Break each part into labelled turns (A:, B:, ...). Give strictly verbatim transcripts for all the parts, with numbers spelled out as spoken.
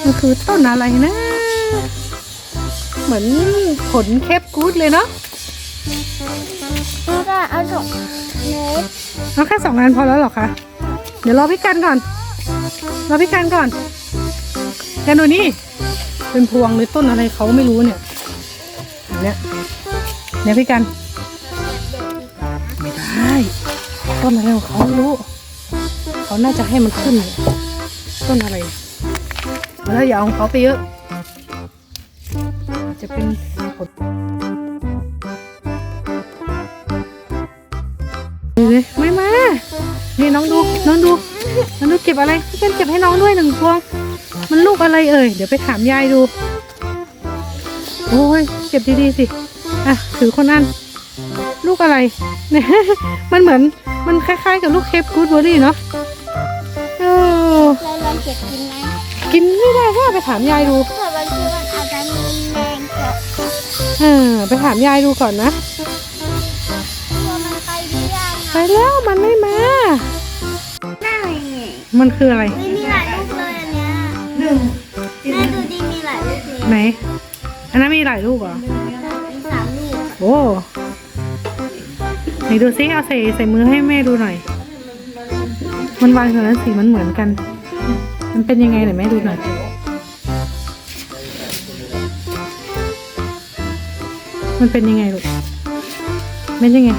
A: มันคือต้นอะไรนะเหมือนผลเคปกู๊ดเลยเนาะ
B: แล้วก็เอาสองเม็ด
A: เอาแค่สองอันพอแล้วหรอคะเดี๋ยวรอพี่กันก่อนรอพี่กันก่อนแกันดูนี่เป็นพวงหรือต้นอะไรเขาไม่รู้เนี่ยเนี่ยเนี่ยพี่กันไม่ได้ต้นอะไรของเขาไม่รู้เขาน่าจะให้มันขึ้นต้นอะไรแล้วอย่าเอาของเขาไปเยอะจะเป็นผลเลยไม่มานี่น้องดูน้องดูน้องดูเก็บอะไรพี่กันเก็บให้น้องด้วยหนึ่งพวงมันลูกอะไรเอ่ยเดี๋ยวไปถามยายดูโอ้ยเก็บดีๆสิอ่ะถือคนนั้นลูกอะไรเนี่ยมันเหมือนมันคล้ายๆกับลูกเคปกู๊ดเบอร์รี่เนาะเออ
B: เราลองเก็บกินไหม
A: กินไม่ได้ก็ไปถามยายดู
B: เผื่อบางทีมันอาจจะมีแมงเกาะ
A: เออไปถามยายดูก่อนนะ
B: ตัวมันไปหรือยัง
A: ไปแล้วมันไม่มา
B: หน้าไง
A: มันคืออะไร
B: ไม่มีหลายลูกเลยอันเนี้ยหนึ่งแม่ดูดิมีหลายลูกเลย
A: ไหนอันนั้นมีหลายลูกเหรอ
B: มีสามลูก
A: โอ้ไหนดูซิเอาใส่ใส่มือให้แม่ดูหน่อยมันวางอยู่นั้นสีมันเหมือนกันมันเป็นยังไงไหนแม่ดูหน่อยมันเป็นยังไงลูกเป็นยังไง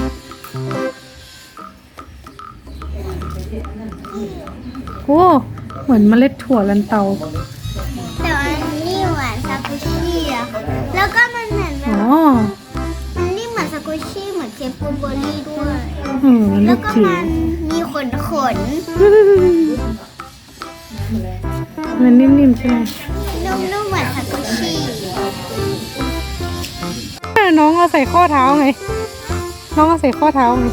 A: โอ้เหมือนเมล็ดถั่วลันเตา
B: แต่อันนี้เหมือนซากุชิอะค่ะแล้วก็มันเหมือนแบ
A: อ๋
B: บ
A: อ
B: มันนี่เหมือนซากุชิเหมือนเทปปูเบอร์รี่ด้วย
A: อืมมัน
B: แล้
A: ลู
B: ว
A: ก
B: ก็
A: จิ๋ว
B: มันมีขนขน
A: มันนิ่มๆใช่ไหม
B: นุ่มๆเหมือนซากุชิ
A: น้องเอาใส่ข้อเท้าไงน้องเอาใส่ข้อเท้าไง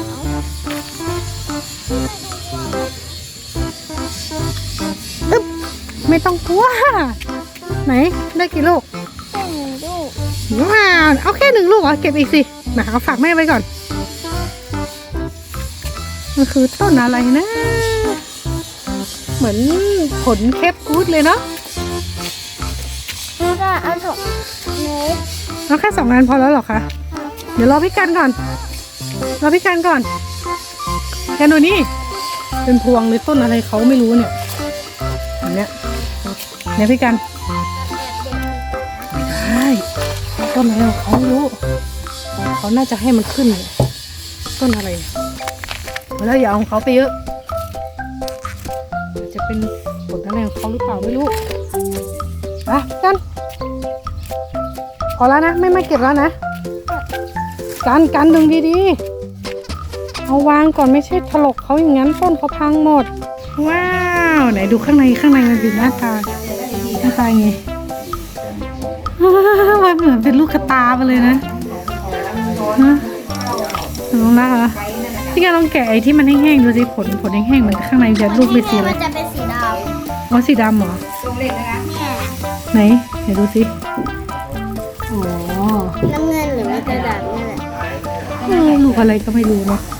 A: อึ๊บไม่ต้องกลัวไหนได้กี่ลูก
B: แค่หนึ่งลูก
A: ว้าวเอาแค่หนึ่งลูกเหรอเก็บอีกสิมาเอาฝากแม่ไว้ก่อนมันคือต้นอะไรนะเหมือนผลเคปกู๊ดเลยเนาะ
B: แล้วก็เอาสองเม็ด
A: เอาแค่สองอันพอแล้วหรอคะเดี๋ยวรอพี่กันก่อนรอพี่กันก่อนแกันดูนี่เป็นพวงหรือต้นอะไรเขาไม่รู้เนี่ยอันเนี้ยเนี่ยพี่กันไม่ได้ต้นอะไรของเขาไม่รู้เขาน่าจะให้มันขึ้นต้นอะไรแล้วอย่าเอาของเขาไปเยอะจะเป็นผลอะไรของเขาหรือเปล่าไม่รู้ไปกันพอแล้วนะไม่มาเก็บแล้วนะกันกันดึงดีๆเอาวางก่อนไม่ใช่ถลกเขาอย่างนั้นต้นเขาพังหมดว้าวไหนดูข้างในข้างในมันเป็นหน้าตาหน้าตาไงมันเหมือนเป็นลูกกระตาไปเลยนะฮะลองนะเหรอพี่กันลองแกะไอ้ที่มันแห้งๆดูสิผลผลแห้งๆมันข้างในจะลูกเป็นสีอะไร
B: มันจะเป็นสีด
A: อ๋อสีดำเหรอ
B: ำ
A: ไหนเดี๋ยวดูสิอ๋อ
B: น้ำเงินหรือว่าจะดำนี่แหละ
A: เออลูกอะไรก็ไม่รู้เนาะ